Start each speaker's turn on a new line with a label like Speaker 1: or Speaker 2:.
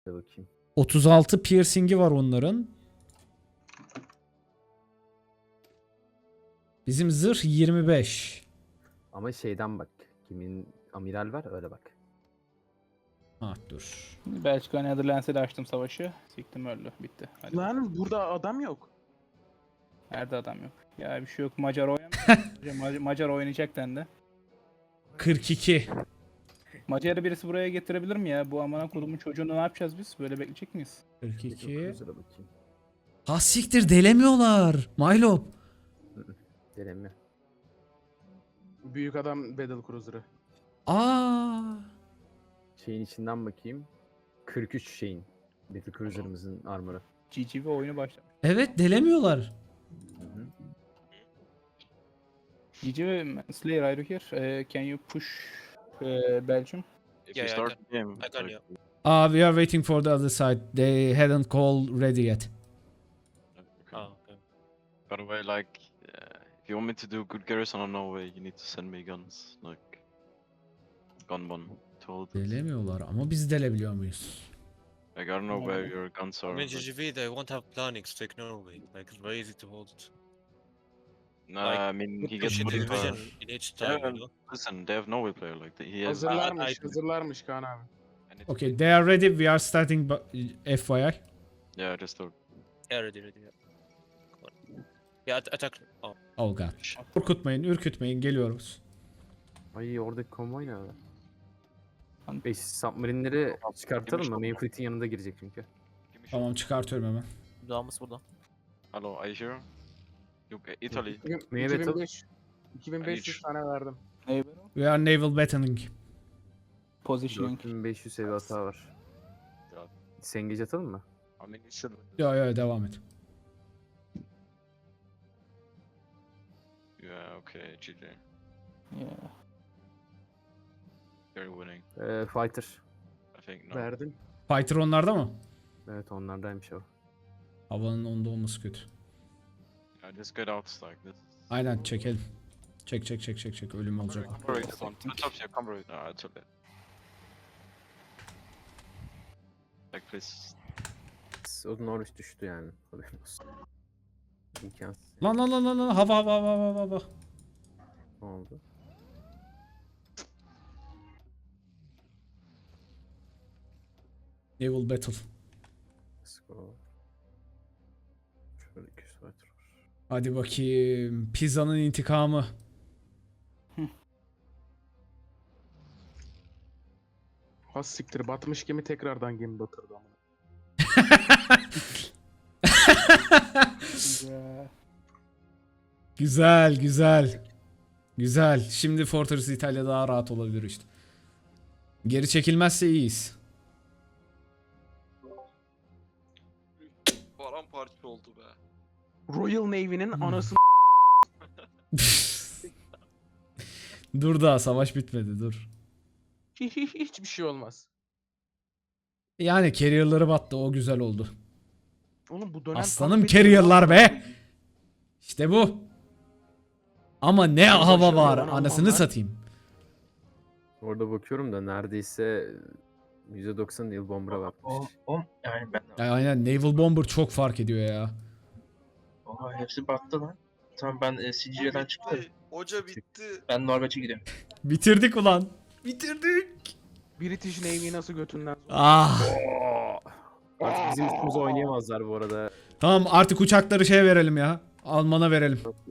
Speaker 1: Bir bakayım.
Speaker 2: 36 piercing'i var onların. Bizim zırh 25.
Speaker 1: Ama şeyden bak. Kimin amiral var öyle bak.
Speaker 2: Ah dur.
Speaker 3: Belçika Netherlands'e de açtım savaşı. Siktim öldü. Bitti. Hadi.
Speaker 4: Lan burada adam yok.
Speaker 3: Nerede adam yok? Ya bir şey yok. Macar oynamıyor. Macar oynayacak dendi.
Speaker 2: 42.
Speaker 3: Macar'ı birisi buraya getirebilir mi ya? Bu amına kodumun çocuğunu ne yapacağız biz? Böyle bekleyecek miyiz?
Speaker 2: 42.
Speaker 1: Cruiser'a bakayım.
Speaker 2: Ha siktir delemiyorlar. Milo.
Speaker 1: Denemiyor.
Speaker 4: Büyük adam Battle Cruiser'ı.
Speaker 2: Aa.
Speaker 1: Şeyin içinden bakayım. 43 şeyin. Battle Cruiser'ımızın armoru.
Speaker 3: GG ve oyunu başlamış.
Speaker 2: Evet delemiyorlar.
Speaker 1: Hı hı.
Speaker 3: GG ve Slayer, are you here? Can you push Belgium?
Speaker 5: If
Speaker 6: Yeah,
Speaker 5: you
Speaker 6: yeah,
Speaker 5: start the game,
Speaker 6: I can,
Speaker 5: like,
Speaker 6: yeah.
Speaker 2: We are waiting for the other side. They hadn't called ready yet.
Speaker 5: okay.
Speaker 6: Oh, okay.
Speaker 5: By the way, like, if you want me to do good garrison on Norway, you need to send me guns, like gun one to hold it.
Speaker 2: Delemiyorlar ama biz delebiliyor muyuz?
Speaker 5: Like, I don't know where your guns
Speaker 6: I
Speaker 5: are.
Speaker 6: mean,
Speaker 5: but-
Speaker 6: GGV, they won't have planning to take Norway. Like, it's very easy to hold it.
Speaker 5: Nah, I mean, he gets
Speaker 6: Push the
Speaker 5: woody
Speaker 6: division
Speaker 5: for.
Speaker 6: in each time, you know?
Speaker 5: Listen, they have Norway player, like, he has.
Speaker 4: Hazırlarmış,
Speaker 6: I-
Speaker 4: hazırlarmış Kaan abi.
Speaker 5: and it's-
Speaker 2: Okay, they are ready. We are starting FYI.
Speaker 5: Yeah, just start.
Speaker 6: Yeah, ready, yeah. Come on. Yeah, attack. Oh,
Speaker 2: Oh god. Korkutmayın, ürkütmeyin. Geliyoruz.
Speaker 1: Ay oradaki konvoy ne abi?
Speaker 3: Hani-
Speaker 1: 5 submarine'leri çıkartalım mı? Main fleet'in yanında girecek çünkü.
Speaker 5: Give me shot.
Speaker 2: Tamam çıkartıyorum hemen.
Speaker 7: Dağımız burada.
Speaker 5: Hello, are you here? UK, Italy.
Speaker 1: Neye battle?
Speaker 4: 2500 tane verdim.
Speaker 3: Neighbor
Speaker 2: We are naval battling.
Speaker 3: positioning.
Speaker 1: 4500 seviye hata var.
Speaker 5: God.
Speaker 1: Sengage atalım mı?
Speaker 5: I mean, you should.
Speaker 2: Yo yo devam et.
Speaker 5: Yeah, okay, GG.
Speaker 3: Yeah.
Speaker 5: You're winning.
Speaker 1: Fighter.
Speaker 5: I think no.
Speaker 4: Verdim.
Speaker 2: Fighter onlarda mı?
Speaker 1: Evet onlardaymış o.
Speaker 2: Havanın onda olması kötü.
Speaker 5: Yeah, just get out, like this.
Speaker 2: Aynen çekelim. Çek çek çek çek çek ölüm olacak.
Speaker 5: Come right on. Top here, come right. No, it's okay. Like, please.
Speaker 1: O Norwich düştü yani. Haberin olsun. İmkansız.
Speaker 2: Lan lan lan lan lan hava hava hava hava hava.
Speaker 1: Ne oldu?
Speaker 2: Naval battle.
Speaker 1: Let's go. Şöyle 200 fighter var.
Speaker 2: Hadi bakayım. Pizza'nın intikamı.
Speaker 4: Has siktir batmış gemi tekrardan gemi batırdı ama.
Speaker 3: Yeah.
Speaker 2: Güzel güzel. Güzel. Şimdi Fortress İtalya daha rahat olabilir işte. Geri çekilmezse iyiyiz.
Speaker 7: Paramparça oldu be.
Speaker 4: Royal Navy'nin anasını
Speaker 2: Dur daha savaş bitmedi dur.
Speaker 4: hiçbir şey olmaz.
Speaker 2: Yani carrier'ları battı o güzel oldu.
Speaker 4: Oğlum bu dönem
Speaker 2: Aslanım
Speaker 4: tank
Speaker 2: carrier'lar be.
Speaker 4: battle-
Speaker 2: İşte bu. Ama ne
Speaker 4: Çok
Speaker 2: hava
Speaker 4: başarılı
Speaker 2: var
Speaker 4: lan
Speaker 2: anasını
Speaker 4: Almanlar.
Speaker 2: satayım.
Speaker 1: Orada bakıyorum da neredeyse %90 Naval Bomber'a bakmış.
Speaker 7: Yani ben
Speaker 2: Ya aynen Naval Bomber çok fark ediyor ya.
Speaker 7: Oha hepsi battı lan. Tamam ben Sicilya'dan çıktım.
Speaker 6: Hoca bitti.
Speaker 7: Ben Norveç'e gidiyorum.
Speaker 2: Bitirdik ulan. Bitirdik.
Speaker 4: British Navy nasıl götünden?
Speaker 2: Ah.
Speaker 1: Artık bizim üstümüze oynayamazlar bu arada.
Speaker 2: Tamam artık uçakları şeye verelim ya. Alman'a verelim.